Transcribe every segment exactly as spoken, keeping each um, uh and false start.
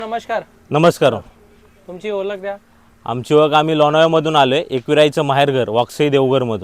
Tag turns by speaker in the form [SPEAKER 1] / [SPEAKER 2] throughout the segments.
[SPEAKER 1] नमस्कार.
[SPEAKER 2] नमस्कार.
[SPEAKER 1] तुमची ओळख द्या.
[SPEAKER 2] आमची ओळख आम्ही लोणावळ्यामधून आलो आहे. एकविराईचं माहेरघर वाकसई देवघरमधून.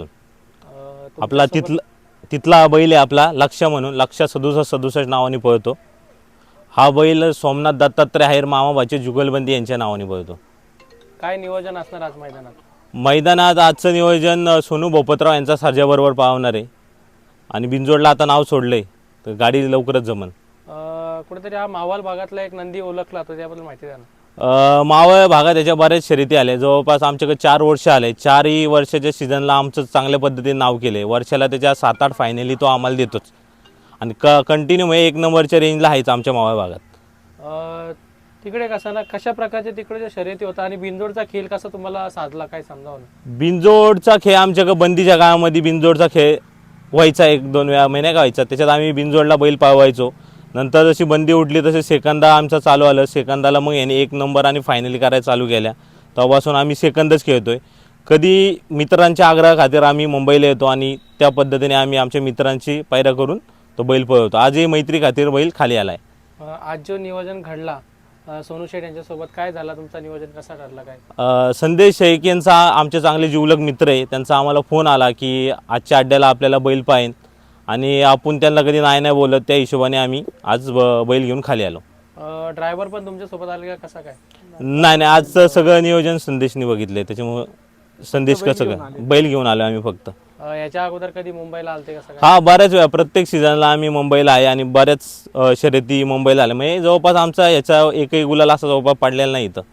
[SPEAKER 2] आपला तिथला तिथला बैल आहे आपला लक्ष म्हणून. लक्ष सदुसष्ट सदुसष्ट नावाने पळतो. हा बैल सोमनाथ दत्तात्रय आहेर मामाबाचे जुगलबंदी यांच्या नावाने पळतो.
[SPEAKER 1] काय नियोजन असणार आज मैदानात?
[SPEAKER 2] मैदानात आजचं नियोजन सोनू भोपतराव यांचा सर्जाबरोबर पावणार आहे आणि बिंजोडला आता नाव सोडलंय तर गाडी लवकरच जमन.
[SPEAKER 1] कुठेतरी हा मावळ भागातला एक नंदी ओळखला तर त्याबद्दल माहिती द्या ना.
[SPEAKER 2] मावळ भागात त्याच्या बऱ्याच शर्यती आल्या. जवळपास आमच्याकडे चार वर्ष आले. चारही वर्षाच्या सीझनला आमचं चांगल्या पद्धतीने नाव केलं आहे. वर्षाला त्याच्या सात आठ फायनली तो आम्हाला देतोच आणि क कंटिन्यू म्हणजे एक नंबरच्या रेंजला आहेच आमच्या मावळ भागात.
[SPEAKER 1] तिकडे कसं ना कशा प्रकारचे तिकडे शर्यती होता आणि बिंजोडचा खेळ कसा तुम्हाला साधला काय समजावं ना?
[SPEAKER 2] बिंजोडचा खेळ आमच्याकडे बंदीच्या काळामध्ये बिंजोडचा खेळ व्हायचा. एक दोन वेळा महिन्या का व्हायचा. त्याच्यात आम्ही बिंजोडला बैल पाळवायचो. नंतर जशी बंदी उठली तसे सेकंदा आमचा चालू आलं. सेकंदाला मग याने एक नंबर आणि फायनली करायला चालू केल्या. तेव्हापासून आम्ही सेकंदच खेळतोय. कधी मित्रांच्या आग्रहा खातीर आम्ही मुंबईला येतो आणि त्या पद्धतीने आम्ही आमच्या मित्रांची पायऱ्या करून तो बैल पळवतो. आजही मैत्री खातीर बैल खाली आलाय.
[SPEAKER 1] आज जो नियोजन घडला सोनू शेठ यांच्यासोबत काय झाला? तुमचा नियोजन कसा ठरला काय?
[SPEAKER 2] संदेश शेख यांचा आमचे चांगले जीवलग मित्र आहे. त्यांचा आम्हाला फोन आला की आजच्या अड्ड्याला आपल्याला बैल पाहिजे आणि आपण त्यांना कधी नाही नाही बोलत. त्या हिशोबाने आम्ही आज बैल घेऊन खाली आलो.
[SPEAKER 1] ड्रायव्हर पण तुमच्यासोबत आले का कसा काय?
[SPEAKER 2] नाही नाही आजचं सगळं नियोजन संदेशने बघितलंय. त्याच्यामुळं संदेश कसं काय बैल घेऊन आलो आम्ही फक्त.
[SPEAKER 1] याच्या अगोदर कधी मुंबईला आलते कसं काय?
[SPEAKER 2] हा बऱ्याच वेळा प्रत्येक सीझनला आम्ही मुंबईला आहे आणि बऱ्याच शर्यती मुंबईला आल्या. म्हणजे जवळपास आमचा याचा एकही गुलाल असा जवळपास पडलेला नाही इथं.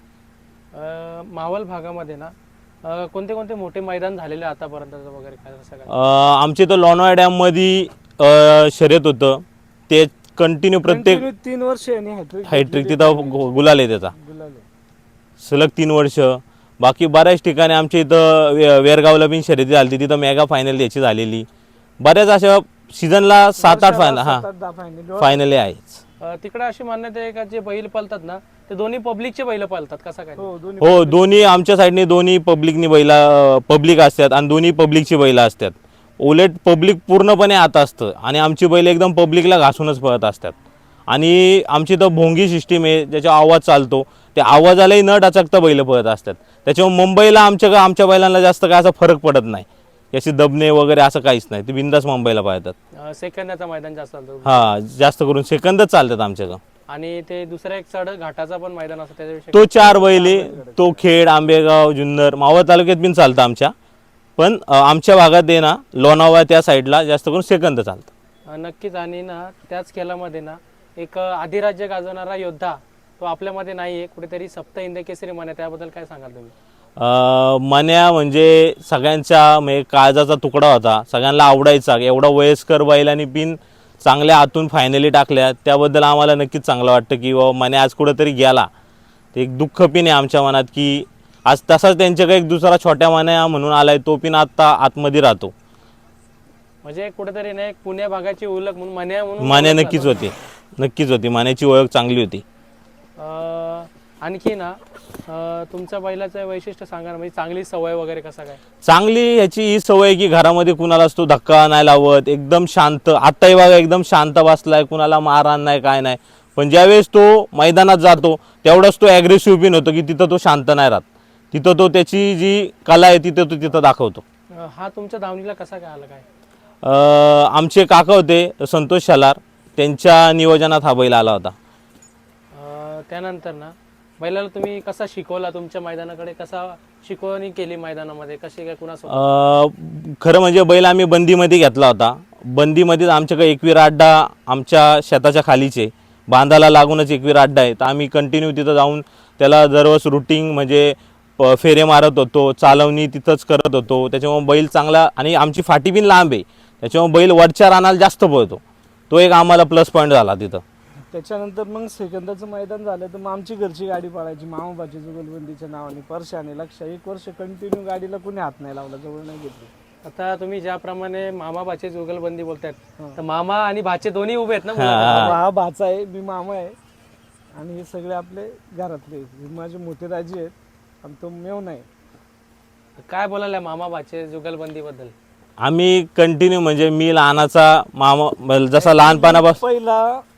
[SPEAKER 1] मावळ भागामध्ये ना कोणते कोणते मोठे मैदान झालेले आतापर्यंत वगैरे काय कसं काय?
[SPEAKER 2] आमचे तर लोणावळा डॅममध्ये शर्यत होतं ते कंटिन्यू प्रत्येक
[SPEAKER 3] तीन वर्ष
[SPEAKER 2] हॅट्रिक तिथं गुलाल आहे त्याचा सलग तीन वर्ष. बाकी बऱ्याच ठिकाणी आमच्या इथं वेरगावला बिन शर्यती झाली. तिथं मेगा फायनल याची झालेली. बऱ्याच अशा सीझनला सात आठ फायनल हा फायनली आहेच.
[SPEAKER 1] तिकडे अशी मान्यता आहे का जे बैल पळतात ना ते दोन्ही पब्लिकचे बैल पळतात कसं काय?
[SPEAKER 2] हो दोन्ही आमच्या साईडने दोन्ही पब्लिकनी बैला पब्लिक असतात आणि दोन्ही पब्लिकची बैला असतात. उलट पब्लिक पूर्णपणे आत असतं आणि आमची बैल एकदम पब्लिकला घासूनच पळत असतात. आणि आमची तर भोंगी सिस्टीम आहे ज्याचा आवाज चालतो. त्या आवाजालाही न टाचकता बैल पळत असतात. त्याच्यामुळे मुंबईला आमच्या आमच्या बैलांना जास्त काय असा फरक पडत नाही. याची दबणे वगैरे असं काहीच नाही. ते बिंदास मुंबईला पळतात.
[SPEAKER 1] सेकंदाचा मैदान जास्त चालतं.
[SPEAKER 2] हा जास्त करून सेकंदच चालतात आमच्याकडं.
[SPEAKER 1] आणि ते दुसरा एक चढ घाटाचा पण मैदान असतो त्याच्याविषयी
[SPEAKER 2] तो चार बैले तो खेड आंबेगाव जुन्नर मावळ तालुक्यात पण चालतं आमच्या. पण आमच्या भागात आहे ना लोणावळा त्या साईडला जास्त करून सेकंद चालतं.
[SPEAKER 1] नक्कीच. आणि ना त्याच खेळामध्ये ना एक अधिराज्य गाजवणारा योद्धा तो आपल्यामध्ये नाही आहे. कुठेतरी सप्त हिंद केसरी मन्या त्याबद्दल काय सांगाल तुम्ही?
[SPEAKER 2] मन्या म्हणजे सगळ्यांचा म्हणजे काळजाचा तुकडा होता. सगळ्यांना आवडायचा. एवढा वयस्कर बैलांनी बिन चांगल्या आतून फायनली टाकल्या त्याबद्दल आम्हाला नक्कीच चांगलं वाटतं की बाबा मन्या आज कुठंतरी गेला. ते एक दुःख पिन आहे आमच्या मनात की आज तसाच त्यांच्याकडे एक दुसरा छोट्या मन्या म्हणून आलाय तो पिन आत्ता आतमध्ये राहतो.
[SPEAKER 1] म्हणजे कुठेतरी ना एक पुण्या भागाची ओळख म्हणून मन्या म्हणून
[SPEAKER 2] मन्या नक्कीच होती. नक्कीच होती. मान्याची ओळख चांगली होती.
[SPEAKER 1] आणखी ना तुमच्या बैलाचं वैशिष्ट्य सांगा ना. म्हणजे चांगली सवय वगैरे कसा काय?
[SPEAKER 2] चांगली ह्याची ही सवय की घरामध्ये कुणाला असतो धक्का नाही लावत. एकदम शांत. आत्ताही बघा एकदम शांत बसलाय. कुणाला मारहाण नाही काय नाही. पण ज्यावेळेस तो मैदानात जातो तेवढाच तो ॲग्रेसिव्ह बिन होतो की तिथं तो शांत नाही राहत. तिथं तो त्याची जी कला आहे तिथं तो तिथं दाखवतो.
[SPEAKER 1] हा तुमच्या धावणीला कसा काय आला काय?
[SPEAKER 2] आमचे काका होते संतोष शलार त्यांच्या नियोजनात हा बैल आला होता.
[SPEAKER 1] त्यानंतर ना बैलाला तुम्ही कसा शिकवला? तुमच्या मैदानाकडे कसा शिकवणी केली मैदानामध्ये कशी काय कुणासोबत?
[SPEAKER 2] खरं म्हणजे बैल आम्ही बंदीमध्ये घेतला होता. बंदीमध्ये आमच्याकडे एकवीर अड्डा आमच्या शेताच्या खालीचे बांधाला लागूनच एकवीर अड्डा आहे. तर आम्ही कंटिन्यू तिथं जाऊन त्याला दररोज रुटीन म्हणजे फेरे मारत होतो. चालवणी तिथंच करत होतो. त्याच्यामुळे बैल चांगला आणि आमची फाटी बिन लांब आहे त्याच्यामुळे बैल वरच्या रानाला जास्त पळतो. तो एक आम्हाला प्लस पॉईंट झाला तिथं.
[SPEAKER 3] त्याच्यानंतर मग सेकंदाचं मैदान झालं तर मग आमची घरची गाडी पळायची मामाबाची जुगलबंदीच्या नावाने. परशाने लक्ष एक वर्ष कंटिन्यू गाडीला कुणी हात नाही लावला. जवळ नाही घेतली.
[SPEAKER 1] आता तुम्ही ज्याप्रमाणे मामा भाचे जुगलबंदी बोलतायत तर मामा आणि भाचे दोन्ही उभे आहेत ना?
[SPEAKER 3] हा भाचा आहे मी मामा आहे आणि हे सगळे आपले घरातले माझे मोठे राजे आहेत आणि तो मेव नाही.
[SPEAKER 1] काय बोलायला मामा भाचे जुगलबंदी बद्दल?
[SPEAKER 2] आम्ही कंटिन्यू म्हणजे मी लहानाचा मामा जसा लहानपणापासून
[SPEAKER 3] पहिला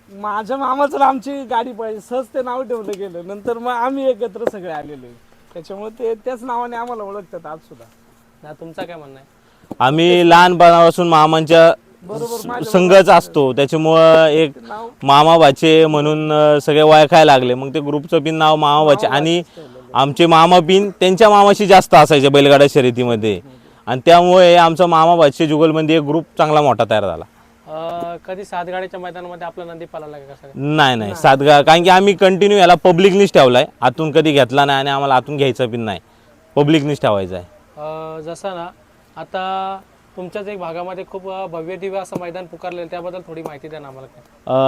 [SPEAKER 3] माझ्या मामाचं आणि आमची गाडी पाहिजे सहज ते नाव ठेवलं गेलं. नंतर मग आम्ही एकत्र सगळे आलेलो आहे. त्याच्यामुळे ते त्याच नावाने आम्हाला ओळखतात आज सुद्धा.
[SPEAKER 1] ना तुमचा काय म्हणणं आहे?
[SPEAKER 2] आम्ही लहानपणापासून मामांच्या
[SPEAKER 3] बरोबर माझ्या
[SPEAKER 2] संघच असतो, त्याच्यामुळं एक
[SPEAKER 3] नाव
[SPEAKER 2] मामा भाचे म्हणून अं, सगळे ओळखायला लागले. मग ते ग्रुपचं पिन नाव मामा भाचे आणि आमचे मामा पिन त्यांच्या मामाशी जास्त असायचे बैलगाडा शर्यतीमध्ये, आणि त्यामुळे आमचा मामा भाचे जुगलबंदी एक ग्रुप चांगला मोठा तयार झाला.
[SPEAKER 1] अं, कधी सातगाड्याच्या मैदानामध्ये आपला नंदी पळाला का कसा काय?
[SPEAKER 2] नाही नाही सातगा, कारण की आम्ही कंटिन्यू याला पब्लिकनीच ठेवलाय, आतून कधी घेतला नाही आणि आम्हाला आतून घ्यायचा पिन नाही, पब्लिकनीच ठेवायचा आहे.
[SPEAKER 1] अं, जसं ना आता तुमच्याच एक भागामध्ये खूप अं, भव्य दिव्य असं मैदान पुकारलेलं, त्याबद्दल थोडी माहिती द्या ना आम्हाला काय.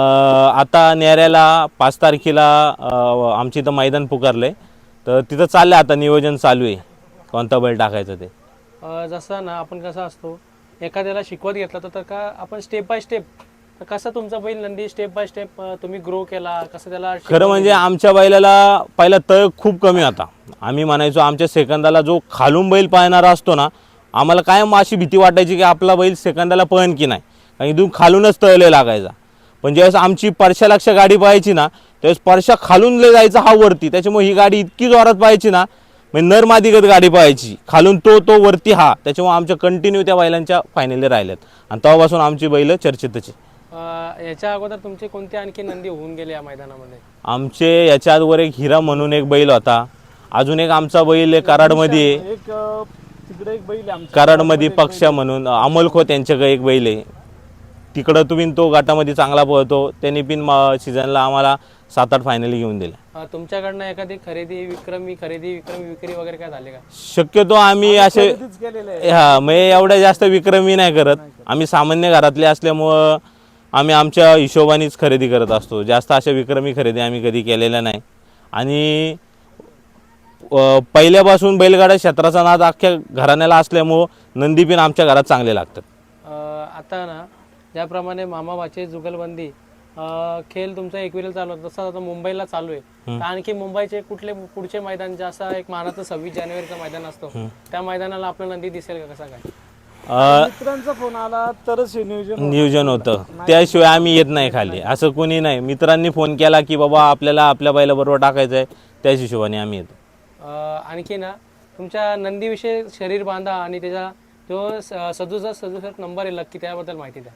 [SPEAKER 2] अ, आता नेऱ्याला पाच तारखेला अ, आमची इथं मैदान पुकारलंय, तर तिथं चाललंय आता नियोजन चालू आहे कोणता बैल टाकायचं ते.
[SPEAKER 1] अं, जसं ना आपण कसं असतो एखाद्याला शिकवत घेतलं तर- तर का आपण स्टेप बाय स्टेप कसं तुमचा बैल नंदी स्टेप बाय स्टेप तुम्ही ग्रो केला, कसं त्याला
[SPEAKER 2] खरं म्हणजे आमच्या बैलाला पहिला तळ खूप कमी होता. आम्ही म्हणायचो आमच्या सेकंदाला जो खालून बैल पाळणारा असतो ना, आम्हाला कायम अशी भीती वाटायची की आपला बैल सेकंदाला पळण की नाही, कारण इथून खालूनच तळले लागायचा. पण ज्यावेळेस आमची परशा लक्ष गाडी पाहायची ना, त्यावेळेस परशा खालून लय जायचा हा वरती, त्याच्यामुळे ही गाडी इतकी जोरात पाहायची ना, म्हणजे नरमादिगत गाडी पाहायची, खालून तो तो वरती हा, त्याच्यामुळे आमच्या कंटिन्यू त्या बैलांच्या फायनली राहिल्यात आणि तेव्हापासून आमची बैल चर्चेतच आहे.
[SPEAKER 1] अं, याच्या अगोदर तुमचे कोणते आणखी नंदी होऊन गेले या मैदानामध्ये?
[SPEAKER 2] आमचे याच्या आजवर एक हिरा म्हणून एक बैल होता, अजून एक आमचा बैल कराडमध्ये आहे,
[SPEAKER 3] एक अं, तिकडे एक बैल आहे आमच्या
[SPEAKER 2] कराडमध्ये पक्षा म्हणून अमोल खोत यांच्याकडे एक बैल आहे, तिकडं तुम्ही तो गटामध्ये चांगला पळतो, त्यांनी पिन सीझनला आम्हाला सात आठ फायनली घेऊन दिल्या.
[SPEAKER 1] अं, तुमच्याकडनं एखादी खरेदी विक्रमी खरेदी विक्रमी विक्री वगैरे काय झाले का?
[SPEAKER 2] शक्यतो आम्ही असे
[SPEAKER 3] खरेदीच केलेलं आहे.
[SPEAKER 2] हा म्हणजे एवढ्या जास्त विक्रमी नाही करत, आम्ही सामान्य घरातले असल्यामुळं आम्ही आमच्या हिशोबानेच खरेदी करत असतो, जास्त अशा विक्रमी खरेदी आम्ही कधी केलेल्या नाही. आणि अ, पहिल्यापासून बैलगाडा क्षेत्राचा नाद अख्ख्या घराण्याला असल्यामुळं नंदी पिन आमच्या घरात चांगले लागतात.
[SPEAKER 1] अं, आता ना ज्याप्रमाणे मामा भाचे जुगलबंदी अं, खेळ तुमचा एकविरा चालू होता, तसं आता मुंबईला चालू आहे, तर आणखी मुंबईचे कुठले पुढचे मैदान जे असं एक मानाचं सव्वीस जानेवारीचं मैदान असतो, त्या मैदानाला आपला नंदी दिसेल का कसा काय?
[SPEAKER 2] अ,
[SPEAKER 3] मित्रांचा फोन आला तरच हे नियोजन होतं.
[SPEAKER 2] नियोजन होतं, त्याशिवाय आम्ही येत नाही खाली, असं कोणी नाही. मित्रांनी फोन केला की बाबा आपल्याला आपल्या बैलाबरोबर टाकायचं आहे, त्याच हिशोबाने आम्ही येतो.
[SPEAKER 1] अं, आणखी ना तुमच्या नंदीविषयी शरीर बांधा आणि त्याचा जो सदुसष्ट सदुसष्ट नंबर आहे लक्की, त्याबद्दल माहिती द्या.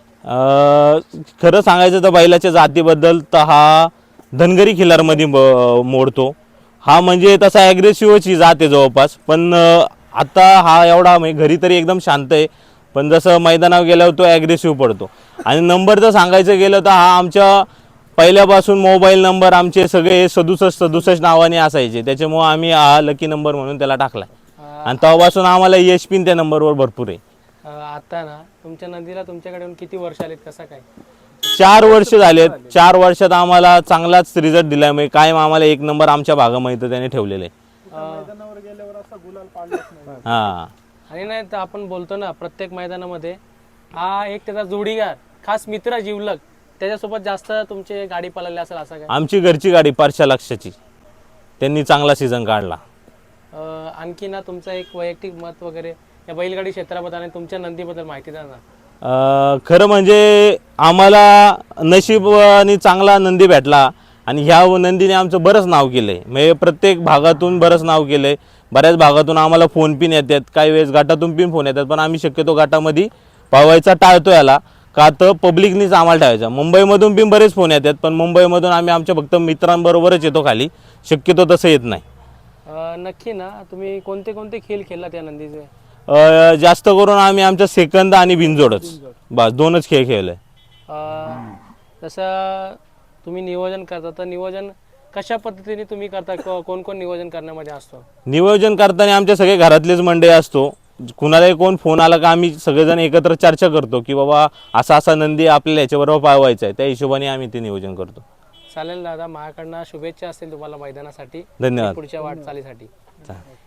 [SPEAKER 2] अ, खरं सांगायचं तर बैलाच्या जातीबद्दल तर हा धनगरी खिलारमध्ये ब- मोडतो, हा म्हणजे तसा ॲग्रेसिव्हची जात आहे जवळपास, पण अ, आता हा एवढा म्हणजे घरी तरी एकदम शांत आहे, पण जसं मैदानावर गेल्यावर तो ॲग्रेसिव्ह पडतो. आणि नंबर जर सांगायचं गेलं तर हा आमच्या पहिल्यापासून मोबाईल नंबर आमचे सगळे सदुसष्ट सदुसष्ट नावाने असायचे, त्याच्यामुळं आम्ही हा लकी नंबर म्हणून त्याला टाकला आणि तेव्हापासून आम्हाला यश पिन त्या नंबरवर भरपूर आहे.
[SPEAKER 1] अं, आता ना तुमच्या नंदीला तुमच्याकडे येऊन किती वर्ष आलीत, कसा काय?
[SPEAKER 2] चार वर्ष झालेत, चार वर्षात आम्हाला चांगलाच रिझल्ट दिलाय, म्हणजे कायम आम्हाला एक नंबर आमच्या भागामध्ये त्याने ठेवलेले आहे.
[SPEAKER 3] मैदानावर गेल्यावर असा गुलाल पाडलाच नाही.
[SPEAKER 2] हा
[SPEAKER 1] आणि नाही तर आपण बोलतो ना प्रत्येक मैदानामध्ये हा एक त्याचा जोडीगार खास मित्र जीवलग त्याच्यासोबत जास्त तुमची गाडी पळाली असेल असं काय?
[SPEAKER 2] आमची घरची गाडी परशा लक्षाची, त्यांनी चांगला सीझन काढला.
[SPEAKER 1] अं, आणखी ना तुमचं एक वैयक्तिक मत वगैरे या बैलगाडी क्षेत्राबद्दल आणि तुमच्या नंदीबद्दल माहिती द्या ना.
[SPEAKER 2] अं, खरं म्हणजे आम्हाला नशिबाने चांगला नंदी भेटला आणि ह्या नंदीने आमचं बरंच नाव केलं आहे, म्हणजे प्रत्येक भागातून बरंच नाव केलं आहे. बऱ्याच भागातून आम्हाला फोन पिन येतात, काही वेळेस गटातून पिन फोन येतात, पण आम्ही शक्यतो गटामध्ये पावायचा टाळतो याला, का तर पब्लिकनीच आम्हाला ठेवायचा. मुंबईमधून पिन बरेच फोन येतात, पण मुंबईमधून आम्ही आमच्या फक्त मित्रांबरोबरच येतो खाली, शक्यतो तसं येत नाही.
[SPEAKER 1] अं, नक्की ना तुम्ही कोणते कोणते खेळ खेळला त्या नंदीचे?
[SPEAKER 2] अ, जास्त करून आम्ही आमच्या सेकंद आणि बिनजोडच बस दोनच खेळ खेळले.
[SPEAKER 1] अं, जसं तुम्ही नियोजन करता तर नियोजन कशा पद्धतीने तुम्ही करता, को- कोण कोण नियोजन करण्यामध्ये असतो?
[SPEAKER 2] नियोजन करताना आमच्या सगळे घरातलेच मंडळी असतो, कुणालाही कोण फोन आला का आम्ही सगळेजण एकत्र चर्चा करतो की बाबा असा असा नंदी आपल्याला याच्याबरोबर पाळवायचा आहे, त्या हिशोबाने आम्ही ते नियोजन करतो.
[SPEAKER 1] चालेल दादा, माझ्याकडनं शुभेच्छा असतील तुम्हाला मैदानासाठी,
[SPEAKER 2] धन्यवाद.
[SPEAKER 1] पुढच्या वाटचालीसाठी.
[SPEAKER 2] चालेल.